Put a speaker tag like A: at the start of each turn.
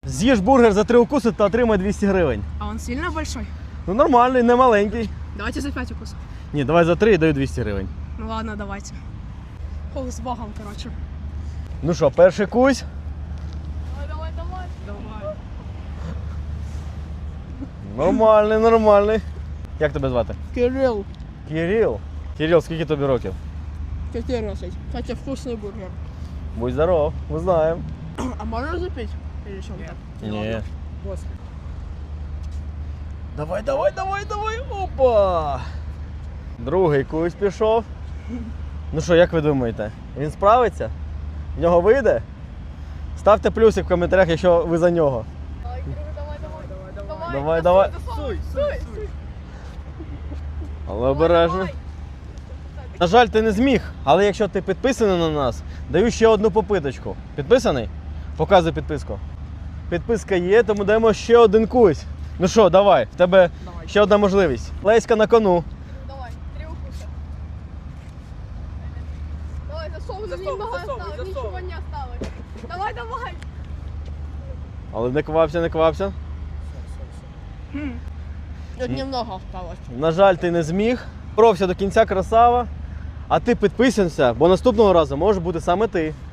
A: З'їж бургер за 3 укуси та отримай 200 гривень.
B: А он сильно большой?
A: Ну нормальний, не маленький.
B: Давайте за 5 укусов.
A: Ні, давай за 3 і даю 200 гривень.
B: Ну ладно, давайте. Фух, с Богом, короче.
A: Ну що, перший кусь?
B: Давай.
A: Нормальний, нормальний. Як тебе звати?
B: Кирилл,
A: Кирил. Кирил, скільки тобі років?
B: 14. Кстати, вкусный бургер.
A: Будь здоров, ми знаємо.
B: А можно запить? Или что так?
A: Ні.
B: После.
A: Давай. Опа! Другий кусь пішов. Ну що, як ви думаєте? Він справиться? В нього вийде? Ставте плюсик в коментарях, якщо ви за нього. Давай.
B: Суй.
A: Але обережно. На жаль, ти не зміг, але якщо ти підписаний на нас, даю ще одну попиточку. Підписаний? Показуй підписку. Підписка є, тому даємо ще один кусь. Ну що, давай, в тебе ще одна можливість. Леська на кону.
C: Давай, 3 укуса. Давай, засовывай, немного осталось, ничего не осталось. Давай.
A: Але не квапся.
B: Тут немного осталось.
A: На жаль, ти не зміг. Боровся до кінця, красава. А ти підписуйся, бо наступного разу може бути саме ти.